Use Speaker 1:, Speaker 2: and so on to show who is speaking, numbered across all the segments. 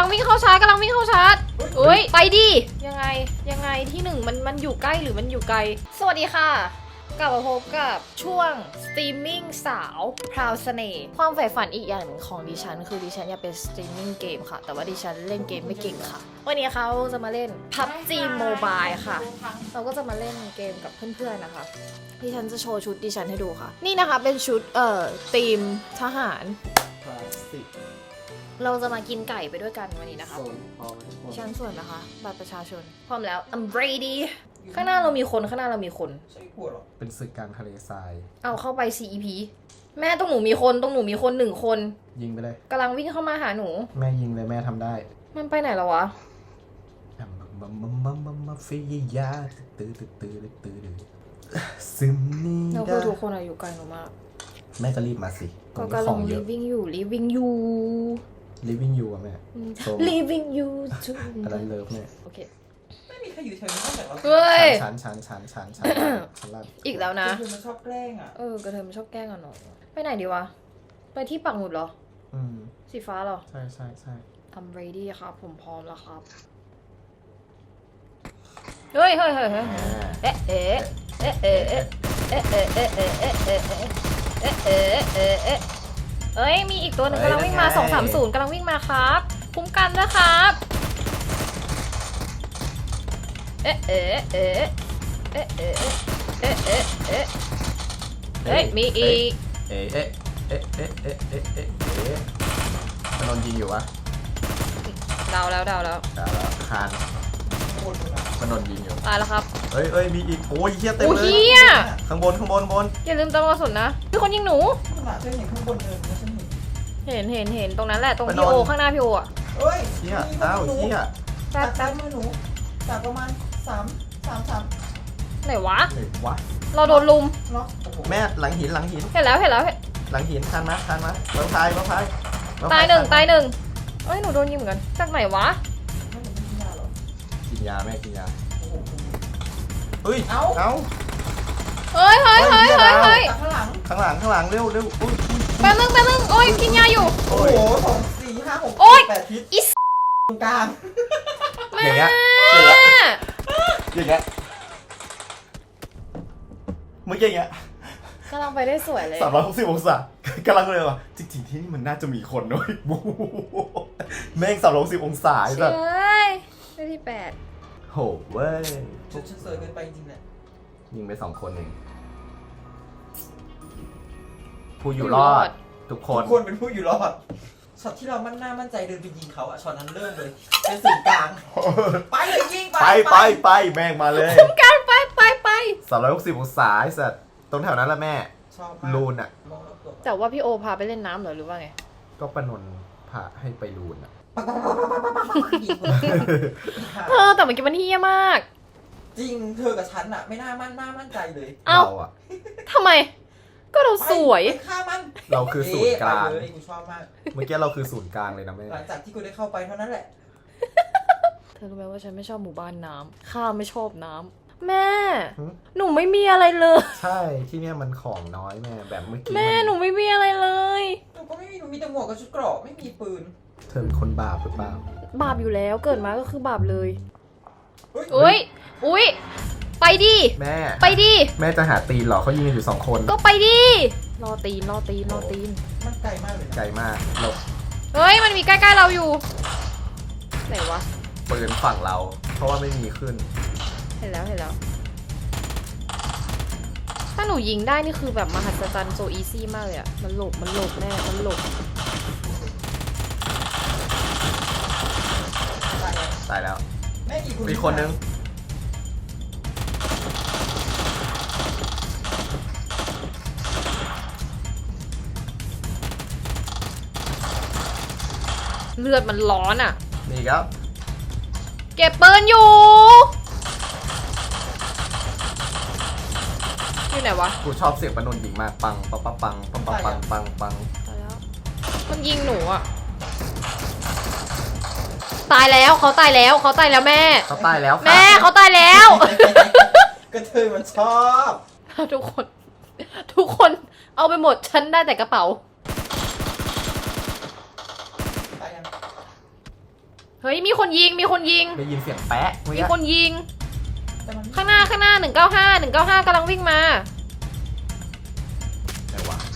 Speaker 1: งวิ่งเข้าชาร์จกำลังวิ่งเข้าชาร์จเอ้ยไปดิยังไงที่หนึ่งมันอยู่ใกล้หรือมันอยู่ไกลสวัสดีค่ะกลับมาพบกับช่วงสตรีมมิ่งสาวพราวเสน่ห์ความใฝ่ฝันอีกอย่างหนึ่งของดิฉันคือดิฉันอยากเป็นสตรีมมิ่งเกมค่ะแต่ว่าดิฉันเล่นเกมไม่เก่งค่ะวันนี้เขาจะมาเล่น PUBG Mobile ค่ะเราก็จะมาเล่นเกมกับเพื่อนๆนะคะดิฉันจะโชว์ชุดดิฉันให้ดูค่ะนี่นะคะเป็นชุดทีมทหาร
Speaker 2: คลาสสิก
Speaker 1: เราจะมากินไก่ไปด้วยกันวันนี้นะคะ
Speaker 2: โซนพอมัน
Speaker 1: ดิฉันส่วนนะคะบัตรประชาชนพร้อมแล้ว I'm ready ข้างหน้าเรามีคนใช่ขวดหรอ
Speaker 2: เป็นศึกกลางทะเลทราย
Speaker 1: เอาเข้าไป CEP แม่ตรงหนูมีคนหนึ่งคน
Speaker 2: ยิงไปเลย
Speaker 1: กำลังวิ่งเข้ามาหาหนู
Speaker 2: แม่ยิงเลยแม่ทำได้
Speaker 1: มันไปไหนแล้ววะ
Speaker 2: มาฟิยาตื้อซึมนี่
Speaker 1: เรา
Speaker 2: ได้
Speaker 1: คือทุกคนอยู่ไกลหนูมาก
Speaker 2: แม่ก็รีบมาสิตร
Speaker 1: ก็
Speaker 2: งนี้
Speaker 1: กำ
Speaker 2: ข
Speaker 1: ลั
Speaker 2: อง งเยอะ
Speaker 1: living อยู่
Speaker 2: living you อะแม่โซม
Speaker 1: living you
Speaker 2: อันนั้นเลิฟแม่
Speaker 1: โอเค
Speaker 3: ไม่มีใครอยู่แถวนี้นอกจากเรา
Speaker 1: เฮ้ย
Speaker 2: ชั้นล่าง
Speaker 1: อีกแล้วนะ
Speaker 3: คือมันชอบแกล้งอ่ะ
Speaker 1: กระเทยมันชอบแกล้งอ่ะหนูไปไหนดีวะไปที่ปักหมุดเหรอ
Speaker 2: อืม
Speaker 1: สีฟ้าเหรอ
Speaker 2: ใช่
Speaker 1: I'm ready ครับผมพร้อมแล้วครับเฮ้ยเอ๊ะเอ้ยมีอีกตัวหนึ่งกำลังวิ่งมา230กำลังวิ่งมาครับคุ้มกันนะครับเฮ้ยมีอีก
Speaker 2: เอ๊ะถนนยิงอยู่วะ
Speaker 1: เดาแล้ว
Speaker 2: คาน
Speaker 3: โคตรเลยนะ
Speaker 2: ถนนยิงอยู่
Speaker 1: ตายแล้วครับ
Speaker 2: เอ้ยมีอีกโอ้ยเฮียเต็ม
Speaker 1: โอ้
Speaker 2: เลย
Speaker 1: เฮีย
Speaker 2: ข้างบน
Speaker 1: อย่าลืมตะวันสนนะมีคนยิงหนู
Speaker 3: ขนาดเธอเห็นข้างบนเดินนะฉันเห็น
Speaker 1: เห็นตรงนั้นแหละตรงพี่โอข้างหน้าพี่โออ่ะ
Speaker 3: เฮ้ย
Speaker 2: เฮียอ้าวเฮีย
Speaker 3: จากซ้ายมือหนูจากประมาณ3
Speaker 1: ไหนวะ
Speaker 2: เฮ้ยวะ
Speaker 1: เราโดนลุม
Speaker 3: เนาะโอ้โห
Speaker 2: แม่หลังหิน
Speaker 1: เห็นแล้ว
Speaker 2: หลังหินทันมาเราพาย
Speaker 1: ตายหนึ่งเอ้ยหนูโดนยิงเหมือนกันจากไหนวะ
Speaker 3: ไม่เห็นมียาหรอ
Speaker 2: กินยาแม่กินยา
Speaker 3: โอ้โห
Speaker 2: เฮ้ย
Speaker 3: เอ้า
Speaker 1: เฮ้ย
Speaker 3: จากข้างหลัง
Speaker 2: ข้างหลังเร็วอุ้ย
Speaker 1: แป๊บนึงโอ้ยกินยาอยู่
Speaker 3: โอ้โห2 4 5 6
Speaker 1: โอ๊ย
Speaker 3: 8ทิศ
Speaker 1: อิส
Speaker 3: ตรงกลาง
Speaker 1: แม่
Speaker 2: อย่างเงี้ยเมื่อกี้อย่างเงี้ย
Speaker 1: กำลังไปได้สวยเลย
Speaker 2: 360องศากำลังเลยว่ะจริงๆที่นี่มันน่าจะมีคนด้วยแม่ง360องศา
Speaker 1: เช
Speaker 2: แบบ
Speaker 1: ยได้ที่8
Speaker 2: โหเว้ย
Speaker 3: ฉันสวยเกินไปจริงแหละ
Speaker 2: ยิงไป2คนเองผู้อยู่รอดทุกคน
Speaker 3: ทุกคนเป็นผู้อยู่รอดช็อตที่เรามั่นใจเดินไปยิงเขาอะช็อตนั้นเริ่มเลยเป็นสื่อกลางไปเลยยิง
Speaker 2: ไปแม่งมาเลย
Speaker 1: คุ้มกันไป
Speaker 2: 360องศาไอ้สัตว์ตรงแถวนั้นแหละแม่
Speaker 3: ชอบมาก
Speaker 2: ลูนอ่ะ
Speaker 3: มองรอบตัว
Speaker 1: แต่ว่าพี่โอพาไปเล่นน้ำเหรอหรือว่าไง
Speaker 2: ก็ประนนพาให้ไปลูนอ่ะ
Speaker 3: ยิงเลย
Speaker 1: แต่เมื่อกี้มันเฮี้ยมาก
Speaker 3: จริงเธอกับฉันอะไม่น่ามั่นใจเลย
Speaker 1: เอ้า
Speaker 2: เราอ่ะ
Speaker 1: ทำไม ก็เราสวย
Speaker 3: ไปฆ่ามัน
Speaker 2: เราคือศูนย์กลาง
Speaker 3: ไปเลยกูชอบมาก
Speaker 2: เมื่อกี้เราคือศูนย์กลางเลยนะแม่
Speaker 3: หลังจากที่กูได้เข้าไปเท่านั้นแหละ
Speaker 1: เธอรู้ไหมว่าฉันไม่ชอบหมู่บ้านน้ำข้าไม่ชอบน้ำแม่ หนูไม่มีอะไรเลย
Speaker 2: ใช่ที่เนี่ยมันของน้อยแม่แบบเมื่อกี้
Speaker 1: แม่หนูไม่มีอะไรเลย
Speaker 3: หนูก็ไม่มีหนูมีแต่หมวกกับชุดเกราะไม่มีปืน
Speaker 2: เธอเป็นคนบาปหรือเปล่า
Speaker 1: บาปอยู่แล้วเกิดมาก็คือบาปเลย
Speaker 3: เฮ้ย
Speaker 1: อุ้ยไปดิ
Speaker 2: แม่
Speaker 1: ไปดิ
Speaker 2: แม่จะหาตีนเหรอเขายิงกันอยู่2คน
Speaker 1: ก็ไปดิรอตีน
Speaker 3: มันไกลมากเลยนะ
Speaker 2: ไกลมากเรา
Speaker 1: เฮ้ยมันมีใกล้ๆเราอยู่ไหนวะ
Speaker 2: ปืนฝั่งเรา เพราะว่าไม่มีขึ้น
Speaker 1: เห็นแล้วถ้าหนูยิงได้นี่คือแบบมหัศจรรย์โซอีซี่มากเลยอะมันหลบแน่มันหลบ
Speaker 3: ตายแล้ว
Speaker 2: ตายแล้ว
Speaker 3: แม่กี่คน
Speaker 2: มีคนนึง
Speaker 1: เลือดมันร้อนอะ
Speaker 2: มีครับ
Speaker 1: เก็บปืนอยู่ไหนวะ
Speaker 2: กูชอบเสียงประนนยิงมากปังปังปังปังปังปังปัง
Speaker 1: ตายแล้วมันยิงหนูอะตายแล้วเขาตายแล้วแม่
Speaker 2: เขาตายแล้วค่ะ
Speaker 1: แม่เขาตายแล้ว
Speaker 3: กระเทยมันชอบ
Speaker 1: ทุกคนเอาไปหมดฉันได้แต่กระเป๋า
Speaker 3: ตายยัง
Speaker 1: เฮ้ยมีคนยิงมีคนยิง
Speaker 2: ได้ยินเสียงแป๊ะเมื่อ
Speaker 1: มี
Speaker 2: กี้
Speaker 1: คนยิง
Speaker 3: แต่มัน
Speaker 1: ข้างหน้า195กำลังวิ่งมา
Speaker 2: ไหนวะ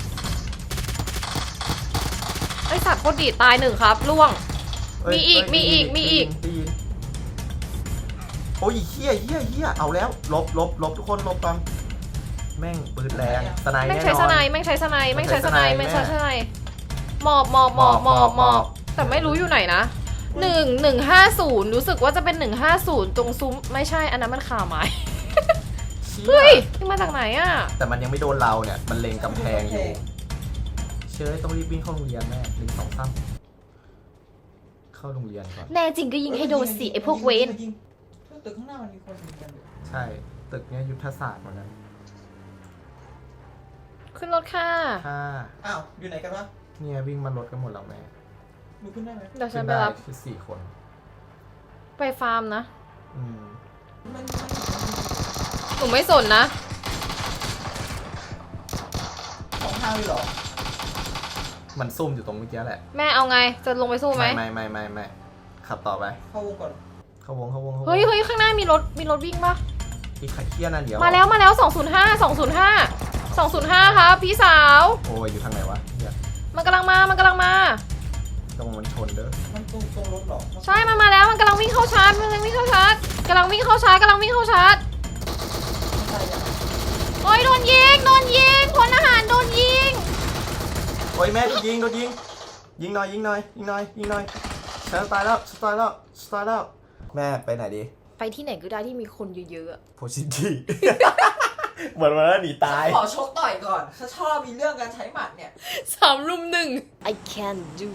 Speaker 1: ไอสัตว์โคตรดีตายหนึ่งครับล่วง
Speaker 2: เอ้ย
Speaker 1: มีอีก
Speaker 2: เอ้ย
Speaker 1: มีอีก
Speaker 2: ได้ยิน
Speaker 1: มีอีก
Speaker 2: ได้ยินโอ้ยเฮียเอาแล้วลบทุกคนลบก่อนแม่งปืนแรงสไน
Speaker 1: แม่ง
Speaker 2: แน่
Speaker 1: ใช้
Speaker 2: น
Speaker 1: ส
Speaker 2: อน
Speaker 1: ไนแม่งใช้สไนแม่งใช้สไน
Speaker 2: แม่
Speaker 1: แม่
Speaker 2: ง
Speaker 1: ง
Speaker 2: ใช้
Speaker 1: ใช้
Speaker 2: ส
Speaker 1: ส
Speaker 2: ไน
Speaker 1: ไนหมอบแต่ไม่รู้อยู่ไหนนะ1150รู้สึกว่าจะเป็น150ตรงซุ้มไม่ใช่อันนั้นมันขาไม้
Speaker 2: เชี่ย
Speaker 1: เฮ้ยนี่มาจากไหนอ่ะ
Speaker 2: แต่มันยังไม่โดนเราเนี่ยมันเล็งกำแพงอยู่เชื่อต้องรีบวิ่งเข้าโรงเรียนแม่1 2 3เข้าโรงเรียนก่อน
Speaker 1: แน่จริงก็ยิงให้โดนสิไอพวกเวน
Speaker 3: ยิงตึกข้างหน้ามันมีคนยิงกันอยู่
Speaker 2: ใช่ตึกเนี้ยยุทธศาสตร์เหมือนกัน
Speaker 1: ขึ้นรถค่ะ
Speaker 2: ถ้า
Speaker 3: อ้าวอยู่ไหนกันวะ
Speaker 2: เนี่ยวิ่งมารถกันหมดแล้วแม่
Speaker 3: ดูขึ้นได้ไหม
Speaker 1: เดี๋ยวฉั
Speaker 2: ขึ้
Speaker 1: น
Speaker 2: น
Speaker 1: ไป
Speaker 2: ได้
Speaker 1: รับ
Speaker 2: คือ4 คน
Speaker 1: ไปฟาร์มนะ
Speaker 2: อืม
Speaker 3: มัน
Speaker 1: หนูไม่สนนะ
Speaker 3: ของทางเลยเหรอ
Speaker 2: มันซุ่มอยู่ตรงเมื่อกี้แหละ
Speaker 1: แม่เอาไงจะลงไปสู้ไหม
Speaker 2: ไม่ขับต่อไป
Speaker 3: เข้าวงก่อน
Speaker 2: เข้าวงเข้าวง
Speaker 1: เฮ้ยข้างหน้ามีรถวิ่งปะ
Speaker 2: อีกไข่เคี้ยนั่นเดียว
Speaker 1: มาแล้ว205ครับพี่สาว
Speaker 2: โอ้ยอยู่ทางไหนวะเนี่ย
Speaker 1: มันกำลังมา
Speaker 2: ตรงมันชนเด้อ
Speaker 3: มันตรงรถเหรอ
Speaker 1: ใช่มันมาแล้วมันกำลังวิ่งเข้าชาร์จกำลังวิ่งเข้าชาร์จ
Speaker 3: ไม่ใช่อะ
Speaker 1: โอ้ยโดนยิงพลทหารโดนยิง
Speaker 2: โอ้ยแม่โดนยิงยิงหน่อยฉันตายแล้วแม่ไปไหนดี
Speaker 1: ไปที่ไหนก็ได้ที่มีคนเยอะๆอะ
Speaker 2: โพชิตี้ เหมือนวันนั้นหนีตาย
Speaker 3: ขอชกต่อยก่อนฉันชอบมีเรื่องการใช้หมัดเนี่ย
Speaker 1: 3 รุม 1 I can do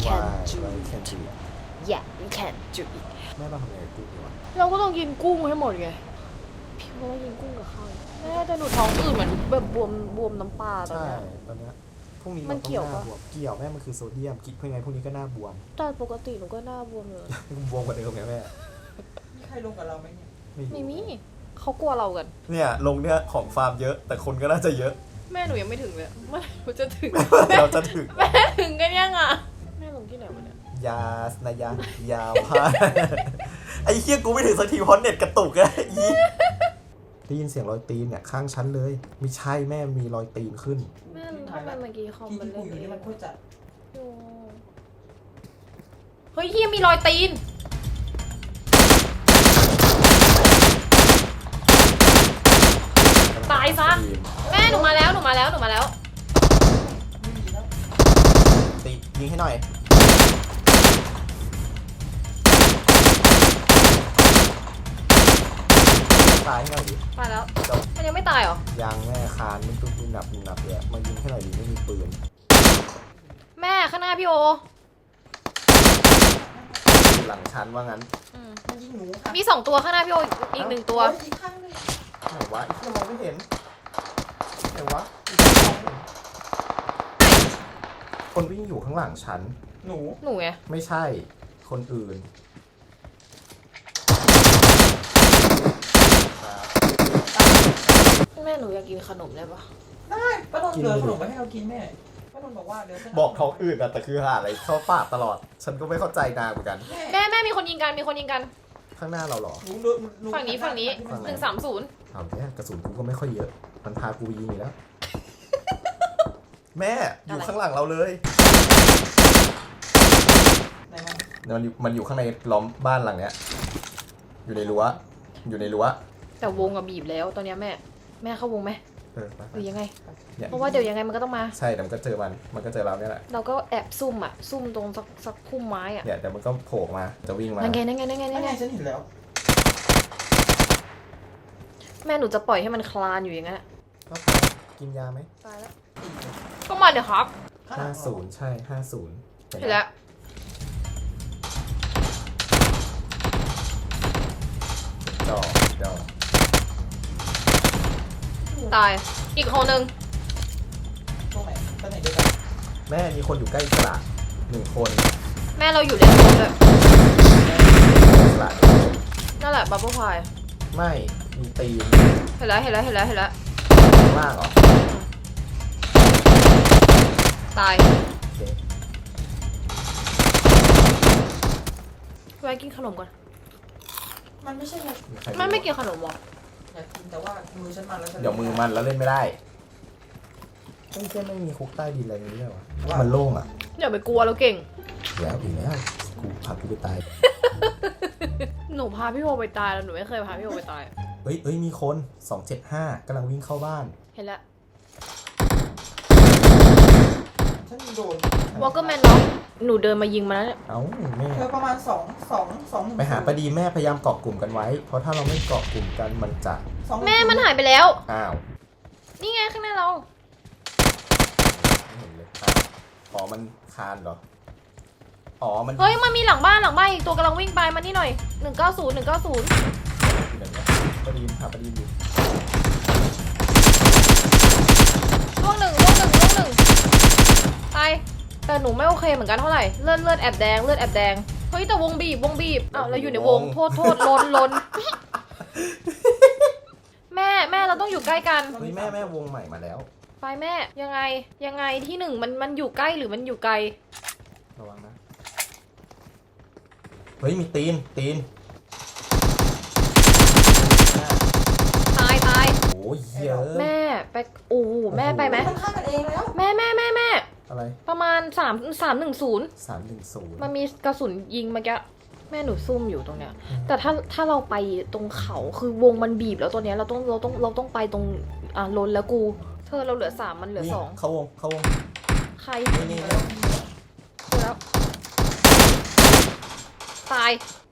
Speaker 1: yeah you can do it
Speaker 2: แม่มาทำไงกูดีวะ
Speaker 1: เราก็ต้องกินกุ้งให้หมดไงพี่ว่ากินกุ้งกับข้าวแม่แต่หนูท้องอืดเหมือนแบบบวมน้ำปลาตอน
Speaker 2: ใช่
Speaker 1: เนี้ย
Speaker 2: ตอนเนี้ยพรุ่งนี้
Speaker 1: มันเกี่ยวปะ
Speaker 2: บวมเกี่ยวแม่มันคือโซเดียมคิดเพื่อไงพรุ่งนี้ก็หน้าบวม
Speaker 1: แต่ปกติหนูก็หน้าบวมเลย
Speaker 2: บวมกว่าเดิมไงแม่
Speaker 3: มีใครลงกับเราไหมเนี่ย
Speaker 1: ไม่มีเขากลัวเรากัน
Speaker 2: เนี่ยลงเนี่ยของฟาร์มเยอะ แต่คนก็น่าจะเยอะ
Speaker 1: แม่หนูยังไม่ถึงเลยเมื่อไหร่หนูจะถึง
Speaker 2: เราจะถึง
Speaker 1: แม่ถึงกันยังอ่ะแม่ลงที่ไหนวะเนี่ย
Speaker 2: ยาสนายายาวพา ไอ้เหี้ยกูไม่ถึงสักทีเพราะเน็ตกระตุกอะอีได้ยินเสียงรอยตีนเนี่ยข้างชั้นเลยไม่ใช่แม่มีรอยตีนขึ้น
Speaker 1: แม่ทำไมเมื่อกี้คอม
Speaker 3: ที่
Speaker 1: มัน
Speaker 3: ที่
Speaker 1: เล่
Speaker 3: กู
Speaker 1: น
Speaker 3: อยู่นี่มันพูดจัด
Speaker 1: เฮ้ยเฮียมีรอยตีน ตายซะ แม่หนูมาแล้ว
Speaker 3: ไม่มีแล้ว
Speaker 2: ตียิงให้หน่อยตายให้หน่อยดิ
Speaker 1: ตายแล้ว
Speaker 2: จบ
Speaker 1: มันยังไม่ตายเหรอ
Speaker 2: ยางแม่คานมันตุ้มหนับเลยมายิงให้หน่อยดิไม่มีปืน
Speaker 1: แม่ข้างหน้าพี่โอ
Speaker 2: อยู่หลังชั้นว่างั้น
Speaker 1: อืม
Speaker 3: มันยิงหนูค่ะ
Speaker 1: มี2 ตัวข้างหน้าพี่โออีก1 ตัว
Speaker 3: เฮ้ยอีกข้างหนึง
Speaker 2: ไหนวะไอ้ที่มองไม่เห็นไหนวะคนวิ่งอยู่ข้างหลังชั้น
Speaker 3: หนู
Speaker 1: หนูไง
Speaker 2: ไม่ใช่คนอื่น
Speaker 1: แม่หนูอยากกินขนมได้ปะ
Speaker 3: ได้ป้านนท์เหลือขนมไว้ให้เรากินแม่ป้านนท์บอกว่าเดี๋ยวฉัน
Speaker 2: บอกท้องอื่นอะแต่คือหาอะไรเข้าปากตลอด ฉันก็ไม่เข้าใจนางเหมือนกัน
Speaker 1: แม่มีคนยิงกัน
Speaker 2: ข้างหน้าเราเหรอ
Speaker 3: หนูดูหนู
Speaker 1: ฝั่งนี้
Speaker 2: ฝั่งไหน
Speaker 1: 130
Speaker 2: เอาเนี่ยกระสุนกูก็ไม่ค่อยเยอะ มันพากูไปยิงอีกแล้ว แม่อยู่ข้างหลังเราเลย
Speaker 3: ไหนมัน
Speaker 2: มันอยู่ข้างในล้อมบ้านหลังเนี้ย อยู่ในรั้ว
Speaker 1: แต่วงอะบีบแล้วตอนเนี้ยแม่เข้าวงไหม
Speaker 2: ไป
Speaker 1: หรือยังไง
Speaker 2: เนี่ย
Speaker 1: เพราะว่าเดี๋ยวยังไงมันก็ต้องมา
Speaker 2: ใช่เดี๋ยวมันก็เจอมันก็เจอเราเนี่ยแหละ
Speaker 1: เราก็แอบซุ่มตรงสักพุ่มไม้อะ
Speaker 2: เนี่ยเดี๋ยวมันก็โผล่มาจะวิ่งมา
Speaker 1: นั่นไง
Speaker 3: นั่นไงฉันเห็นแล้ว
Speaker 1: แม่หนูจะปล่อยให้มันคลานอยู่อย่างนั้นอะ
Speaker 2: ก็กินยาไหม
Speaker 1: ตายแล้วก็มาเดี๋ยวครับ
Speaker 2: 50ใช่50
Speaker 1: เห็นแล้ว
Speaker 2: จอ
Speaker 1: ตายอีกคนนึง
Speaker 3: ตรงไหนตรงไหนเดียวกัน
Speaker 2: แม่มีคนอยู่ใกล้สระ1 คน
Speaker 1: แม่เราอยู่เลนโซนด้วย
Speaker 2: สระ
Speaker 1: นั่นแหละบับเบิ้ลพาย
Speaker 2: ไม่มีตีน
Speaker 1: เห็นแล้ว
Speaker 2: ข้างล่างเหรอ
Speaker 1: ตาย
Speaker 2: โอเค
Speaker 1: แวะกินขนมก่อน
Speaker 3: มันไม่ใช่ไง
Speaker 2: ใครรู้
Speaker 1: ไม่กินขนมหรอ
Speaker 3: อยากกินแต่ว่ามือฉันมันแล้วฉัน
Speaker 2: เดี๋ยวมือมันแล้วเล่นไม่ได้ไม่ใช่ไม่มีคุกใต้ดินอะไรนี้เลยวะมันโล่งอ่ะ
Speaker 1: อย่าไปกลัวเราเก่ง
Speaker 2: แล้วอีกแล้วกูพากูไปตาย
Speaker 1: หนูพาพี่โอไปตายแล้วหนูไม่เคยพาพี่โอไปตาย
Speaker 2: เฮ้ยมีคน 275กำลังวิ่งเข้าบ้าน
Speaker 1: เห็นแล้ว
Speaker 3: ฉันโดน
Speaker 1: วอลเกอร์แมนน็อกหนูเดินมายิงมาแล้วเนี่ย
Speaker 2: เอ้าแม่
Speaker 3: เธอประมาณ2
Speaker 2: ไปหาปดีแม่พยายามเกาะกลุ่มกันไว้ เพราะถ้าเราไม่เกาะกลุ่มกันมันจะ
Speaker 1: แม่มันหายไปแล้ว
Speaker 2: อ้าว
Speaker 1: นี่ไงข้างหน้าเรา
Speaker 2: ไม่เห็นเลยอ้าวอ๋อมันคานเหรอ อ๋อมัน
Speaker 1: เฮ้ยมันมีหลังบ้านอีกตัวกำลังวิ่งไปมานี่หน่อย190
Speaker 2: อยู่ไหนเนี่ยปดีหาปดีอยู่
Speaker 1: ล่วงหนึ่งตายแต่หนูไม่โอเคเหมือนกันเท่าไหร่เลือดแอบแดงเฮ้ยแต่วงบีบอ้าวเราอยู่ในวงโทษลน แม่เราต้องอยู่ใกล้กัน
Speaker 2: เฮ้ยแม่วงใหม่มาแล้ว
Speaker 1: ไปแม่ยังไงที่หนึ่งมันอยู่ใกล้หรือมันอยู่ไกล
Speaker 2: ระวังนะ เฮ้ยมีตีน
Speaker 1: ตาย
Speaker 2: โอ้ยเยอะ
Speaker 1: แม่ไปแม่ไปไหม
Speaker 3: มันฆ่ากันเองแล้ว
Speaker 1: แม่
Speaker 2: อะไร
Speaker 1: ประมาณ310
Speaker 2: 310
Speaker 1: มันมีกระสุนยิงเมื่อกี้แม่หนูซุ่มอยู่ตรงเนี้ย แต่ถ้าเราไปตรงเขาคือวงมันบีบแล้วตัวเนี้ยเราต้องไปตรงล้นแล้วกูเธอเราเหลือ3มันเหลือ
Speaker 2: นี่
Speaker 1: 2
Speaker 2: เข้าวง
Speaker 1: ใคร
Speaker 2: นี่
Speaker 1: เจอแล้วตาย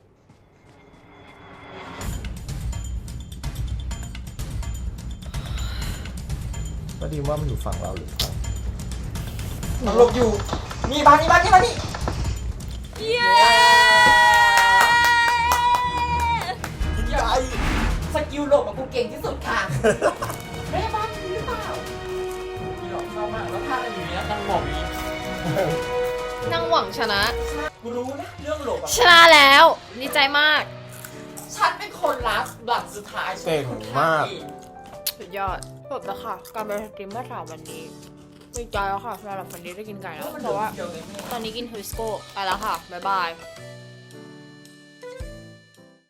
Speaker 2: ก็ดีว่ามันอยู่ฝั่งเราหรือฝั่ง
Speaker 3: มันหลบอยู่นี่บ้านนี่
Speaker 1: เย้
Speaker 3: ใหญ่สกิลหลบของกูเก่งที่สุดค่ะแม่บ้านมีหรือเปล่ามีหรอกชอบมากแล้วท่าอะไรอยู่เนี้ยนั่งหมอบอยู่นี้
Speaker 1: นั่งหวังชนะ
Speaker 3: กูรู้นะเรื่องหลบอะ
Speaker 1: ชนะแล้วดีใจมาก
Speaker 3: ฉันเป็นคนลัสหลังสุดท้าย
Speaker 2: เก่งมาก
Speaker 1: สุดยอดจบแล้วค่ะ การไปสตรีมเมื่อสามวันนี้ดีใจแล้วค่ะสำหรับวันนี้ได้กินไก่แล้ว เพราะว่าตอนนี้กินฮิสโก้ไปแล้วค่ะ บ๊ายบาย